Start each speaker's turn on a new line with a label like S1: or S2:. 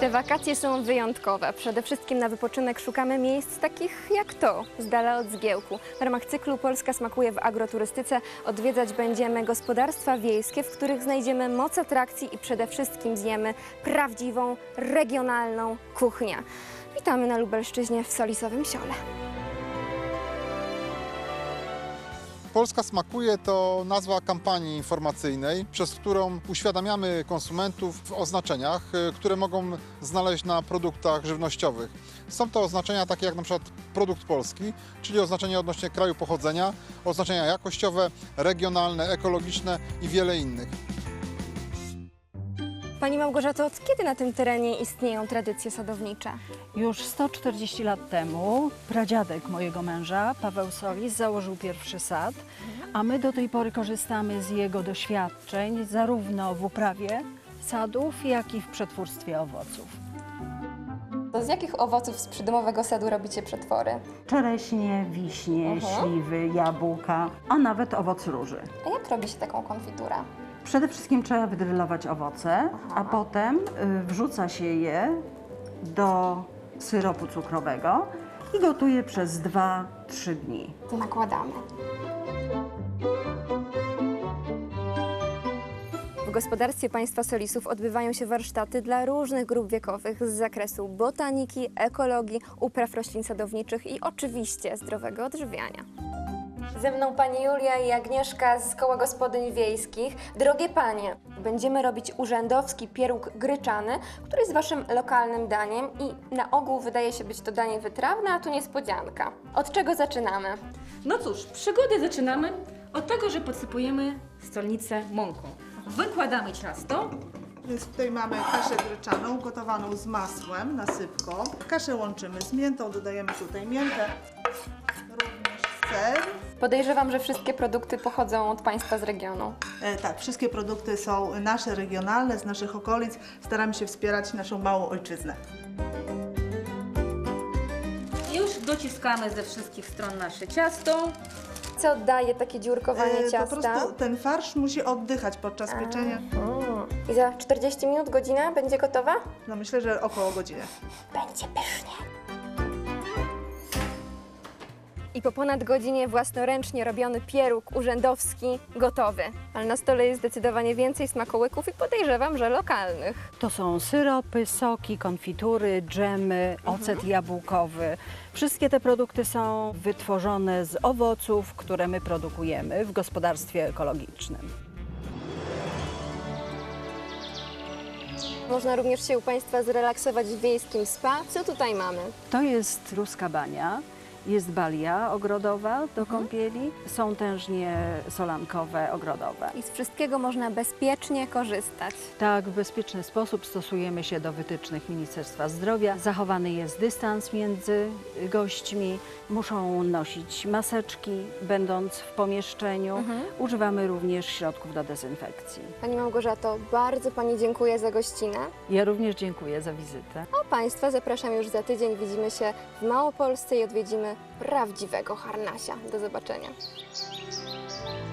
S1: Te wakacje są wyjątkowe. Przede wszystkim na wypoczynek szukamy miejsc takich jak to, z dala od zgiełku. W ramach cyklu Polska smakuje w agroturystyce odwiedzać będziemy gospodarstwa wiejskie, w których znajdziemy moc atrakcji i przede wszystkim zjemy prawdziwą, regionalną kuchnię. Witamy na Lubelszczyźnie w Solisowym Siole.
S2: Polska smakuje to nazwa kampanii informacyjnej, przez którą uświadamiamy konsumentów w oznaczeniach, które mogą znaleźć na produktach żywnościowych. Są to oznaczenia takie jak na przykład produkt polski, czyli oznaczenia odnośnie kraju pochodzenia, oznaczenia jakościowe, regionalne, ekologiczne i wiele innych.
S1: Pani Małgorzato, od kiedy na tym terenie istnieją tradycje sadownicze?
S3: Już 140 lat temu pradziadek mojego męża, Paweł Solis, założył pierwszy sad, a my do tej pory korzystamy z jego doświadczeń zarówno w uprawie sadów, jak i w przetwórstwie owoców.
S1: To z jakich owoców z przydomowego sadu robicie przetwory?
S3: Czereśnie, wiśnie, śliwy, jabłka, a nawet owoc róży.
S1: A jak robi się taką konfiturę?
S3: Przede wszystkim trzeba wydrylować owoce, a potem wrzuca się je do syropu cukrowego i gotuje przez 2-3 dni.
S1: To nakładamy. W gospodarstwie państwa Solisów odbywają się warsztaty dla różnych grup wiekowych z zakresu botaniki, ekologii, upraw roślin sadowniczych i oczywiście zdrowego odżywiania. Ze mną pani Julia i Agnieszka z Koła Gospodyń Wiejskich. Drogie panie, będziemy robić urzędowski pieróg gryczany, który jest waszym lokalnym daniem i na ogół wydaje się być to danie wytrawne, a tu niespodzianka. Od czego zaczynamy?
S4: No cóż, przygodę zaczynamy od tego, że podsypujemy stolnicę mąką. Wykładamy ciasto.
S5: Więc tutaj mamy kaszę gryczaną, gotowaną z masłem, nasypką. Kaszę łączymy z miętą, dodajemy tutaj miętę, również ser.
S1: Podejrzewam, że wszystkie produkty pochodzą od państwa z regionu.
S5: Tak, wszystkie produkty są nasze, regionalne, z naszych okolic. Staramy się wspierać naszą małą ojczyznę.
S4: Już dociskamy ze wszystkich stron nasze ciasto.
S1: Co daje takie dziurkowanie ciasta?
S5: Po prostu ten farsz musi oddychać podczas pieczenia.
S1: I za 40 minut, godzina będzie gotowa?
S5: No myślę, że około godziny.
S1: Będzie pysznie. I po ponad godzinie własnoręcznie robiony pieróg urzędowski gotowy. Ale na stole jest zdecydowanie więcej smakołyków i podejrzewam, że lokalnych.
S3: To są syropy, soki, konfitury, dżemy, ocet jabłkowy. Wszystkie te produkty są wytworzone z owoców, które my produkujemy w gospodarstwie ekologicznym.
S1: Można również się u państwa zrelaksować w wiejskim spa. Co tutaj mamy?
S3: To jest ruska bania. Jest balia ogrodowa do kąpieli, są tężnie solankowe ogrodowe.
S1: I z wszystkiego można bezpiecznie korzystać.
S3: Tak, w bezpieczny sposób stosujemy się do wytycznych Ministerstwa Zdrowia. Zachowany jest dystans między gośćmi, muszą nosić maseczki, będąc w pomieszczeniu. Używamy również środków do dezynfekcji.
S1: Pani Małgorzato, bardzo pani dziękuję za gościnę.
S3: Ja również dziękuję za wizytę.
S1: A państwa zapraszam już za tydzień. Widzimy się w Małopolsce i odwiedzimy prawdziwego harnasia. Do zobaczenia.